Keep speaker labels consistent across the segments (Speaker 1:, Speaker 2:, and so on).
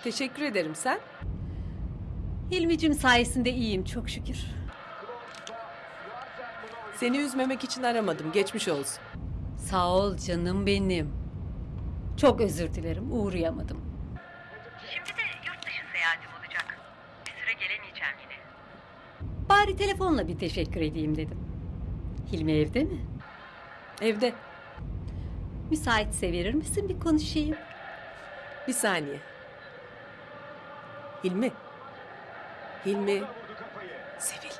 Speaker 1: Teşekkür ederim, sen?
Speaker 2: Hilmicim sayesinde iyiyim çok şükür.
Speaker 1: Seni üzmemek için aramadım, geçmiş olsun.
Speaker 2: Sağ ol canım benim. Çok özür dilerim uğrayamadım.
Speaker 3: Şimdi de yurt dışı seyahatim olacak. Bir süre gelemeyeceğim yine.
Speaker 2: Bari telefonla bir teşekkür edeyim dedim. Hilmi evde mi?
Speaker 1: Evde.
Speaker 2: Müsaitse verir misin bir konuşayım?
Speaker 1: Bir saniye. Hilmi. Hilmi. Sevil.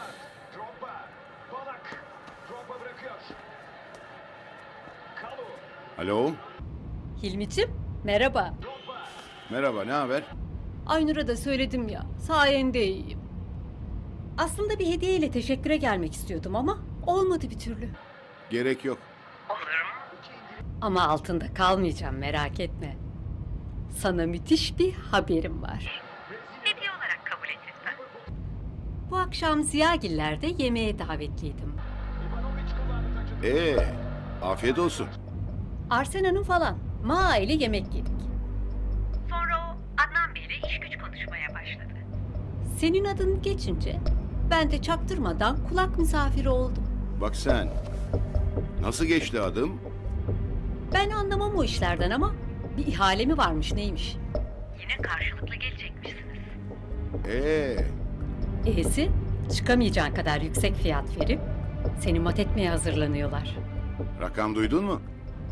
Speaker 4: Alo,
Speaker 2: Hilmicim merhaba.
Speaker 4: merhaba, ne haber?
Speaker 2: Aynur'a da söyledim ya sayende iyiyim. Aslında bir hediyeyle teşekküre gelmek istiyordum ama olmadı bir türlü.
Speaker 4: Gerek yok.
Speaker 3: Olur mu?
Speaker 2: Ama altında kalmayacağım merak etme. Sana müthiş bir haberim var.
Speaker 3: Hediye olarak kabul et lütfen.
Speaker 2: Bu akşam Ziyagiller'de yemeğe davetliydim.
Speaker 4: Afiyet olsun.
Speaker 2: Arsena'nın falan. Ma ile yemek yedik.
Speaker 3: Sonra o Adnan Bey'le iş güç konuşmaya başladı.
Speaker 2: Senin adın geçince ben de çaktırmadan kulak misafiri oldum.
Speaker 4: Bak sen, nasıl geçti adım?
Speaker 2: Ben anlamam o işlerden ama bir ihale mi varmış neymiş?
Speaker 3: Yine karşılıklı gelecekmişsiniz.
Speaker 2: E'si çıkamayacağın kadar yüksek fiyat verip seni mat etmeye hazırlanıyorlar.
Speaker 4: Rakam duydun mu?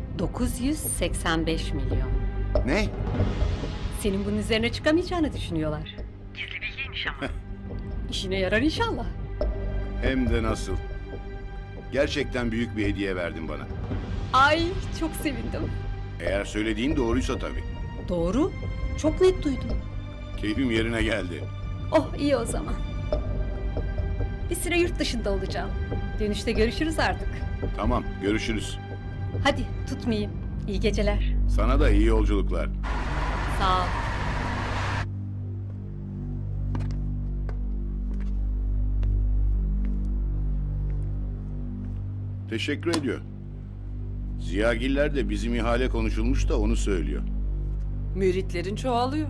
Speaker 2: 985 milyon.
Speaker 4: Ne?
Speaker 2: Senin bunun üzerine çıkamayacağını düşünüyorlar.
Speaker 3: Gizli bilgiymiş ama.
Speaker 2: İşine yarar inşallah.
Speaker 4: Hem de nasıl? Gerçekten büyük bir hediye verdin bana.
Speaker 2: Ay çok sevindim.
Speaker 4: Eğer söylediğin doğruysa tabii.
Speaker 2: Doğru. Çok net duydum.
Speaker 4: Keyfim yerine geldi.
Speaker 2: Oh iyi o zaman. Bir süre yurt dışında olacağım. Dönüşte görüşürüz artık.
Speaker 4: Tamam, görüşürüz.
Speaker 2: Hadi tutmayayım. İyi geceler.
Speaker 4: Sana da iyi yolculuklar.
Speaker 2: Sağ ol.
Speaker 4: Teşekkür ediyor. Ziyagiller de bizim ihale konuşulmuş da onu söylüyor.
Speaker 1: Müritlerin çoğalıyor.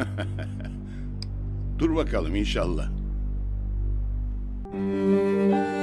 Speaker 4: Dur bakalım inşallah.